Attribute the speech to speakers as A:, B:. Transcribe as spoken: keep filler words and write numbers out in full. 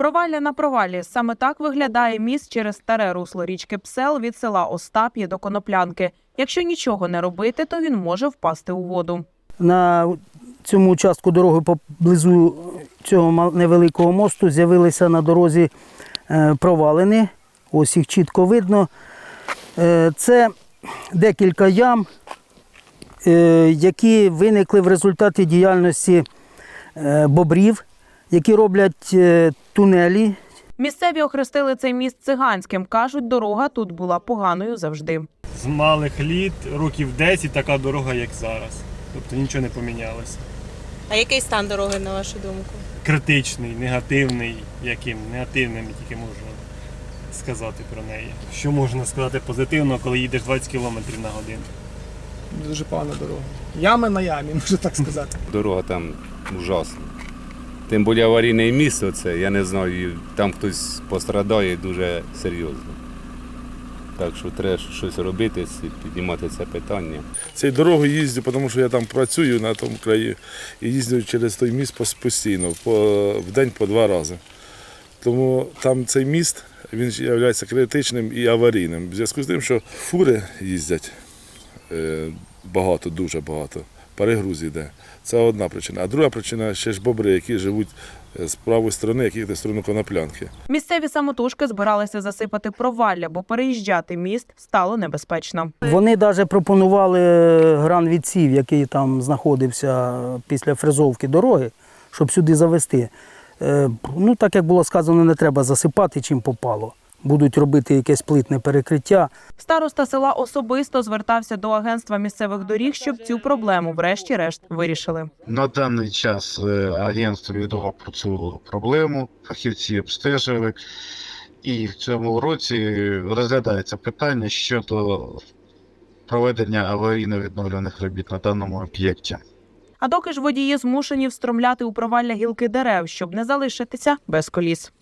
A: Провалля на провалі. Саме так виглядає міст через старе русло річки Псел від села Остап'є до Коноплянки. Якщо нічого не робити, то він може впасти у воду.
B: На цьому участку дороги поблизу цього невеликого мосту з'явилися на дорозі провалини. Ось їх чітко видно. Це декілька ям, які виникли в результаті діяльності бобрів, які роблять тунелі.
A: Місцеві охрестили цей міст циганським. Кажуть, дорога тут була поганою завжди.
C: З малих літ, років десять, така дорога, як зараз. Тобто нічого не помінялося.
D: А який стан дороги, на вашу думку?
C: Критичний, негативний, яким негативним тільки можна сказати про неї. Що можна сказати позитивно, коли їдеш двадцять кілометрів на годину?
E: Дуже погана дорога. Ями на ямі, можна так сказати.
F: Дорога там ужасна. Тим більше аварійне місце, оце, я не знаю, там хтось пострадає дуже серйозно. Так що треба щось робити, піднімати це питання.
G: Цією дорогою їздю, тому що я там працюю на тому краї і їздю через той міст постійно, по, в день по два рази. Тому там цей міст, він є критичним і аварійним. В зв'язку з тим, що фури їздять багато, дуже багато, перегруз йде. Це одна причина. А друга причина – ще ж бобри, які живуть з правої сторони, які йдуть в сторону Коноплянки.
A: Місцеві самотужки збиралися засипати провалля, бо переїжджати міст стало небезпечно.
B: Вони навіть пропонували гранвідсів, який там знаходився після фрезовки дороги, щоб сюди завести. Ну, так як було сказано, не треба засипати, чим попало. Будуть робити якесь плитне перекриття.
A: Староста села особисто звертався до агентства місцевих доріг, щоб цю проблему врешті-решт вирішили.
H: На даний час агентство відомо про цю проблему, фахівці обстежили, і в цьому році розглядається питання щодо проведення аварійно-відновлюваних робіт на даному об'єкті.
A: А доки ж водії змушені встромляти у провалля гілки дерев, щоб не залишитися без коліс.